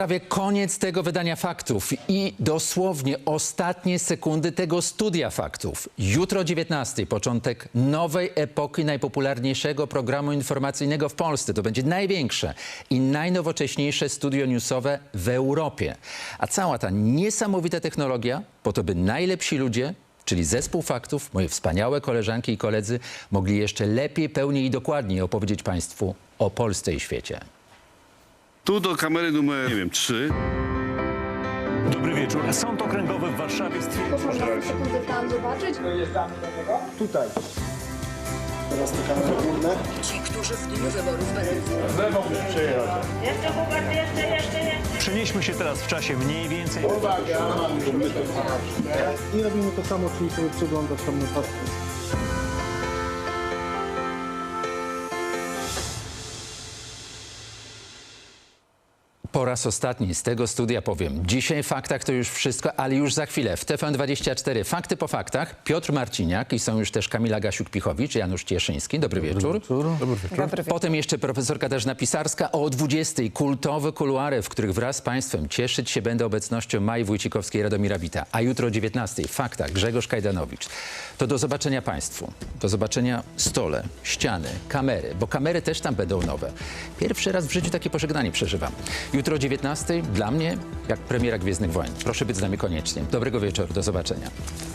Prawie koniec tego wydania faktów i dosłownie ostatnie sekundy tego studia faktów. Jutro o 19:00 początek nowej epoki najpopularniejszego programu informacyjnego w Polsce. To będzie największe i najnowocześniejsze studio newsowe w Europie. A cała ta niesamowita technologia po to, by najlepsi ludzie, czyli zespół faktów, moje wspaniałe koleżanki i koledzy, mogli jeszcze lepiej, pełniej i dokładniej opowiedzieć Państwu o Polsce i świecie. Tu do kamery numer, nie wiem, 3. Dobry wieczór. Sąd Okręgowy w Warszawie stwierdził, Można że... sekundę plan zobaczyć? Tutaj. Teraz te kamery górne. Ci, którzy w dniu wyborów będą... Przenieśmy się teraz w czasie mniej więcej... I robimy to samo, czyli sobie przeglądać tam notatki. Po raz ostatni z tego studia powiem. Dzisiaj w faktach to już wszystko, ale już za chwilę w TVN24 Fakty po faktach. Piotr Marciniak i są już też Kamila Gasiuk-Pichowicz, Janusz Cieszyński. Dobry wieczór. Potem jeszcze profesor Katarzyna Pisarska. O 20:00 kultowe kuluary, w których wraz z Państwem cieszyć się będę obecnością Mai Wójcikowskiej i Radomira Wita. A jutro o 19:00 w faktach Grzegorz Kajdanowicz. To do zobaczenia Państwu. Do zobaczenia stole, ściany, kamery, bo kamery też tam będą nowe. Pierwszy raz w życiu takie pożegnanie przeżywam. Jutro o 19:00 dla mnie jak premiera Gwiezdnych Wojen. Proszę być z nami koniecznie. Dobrego wieczoru, do zobaczenia.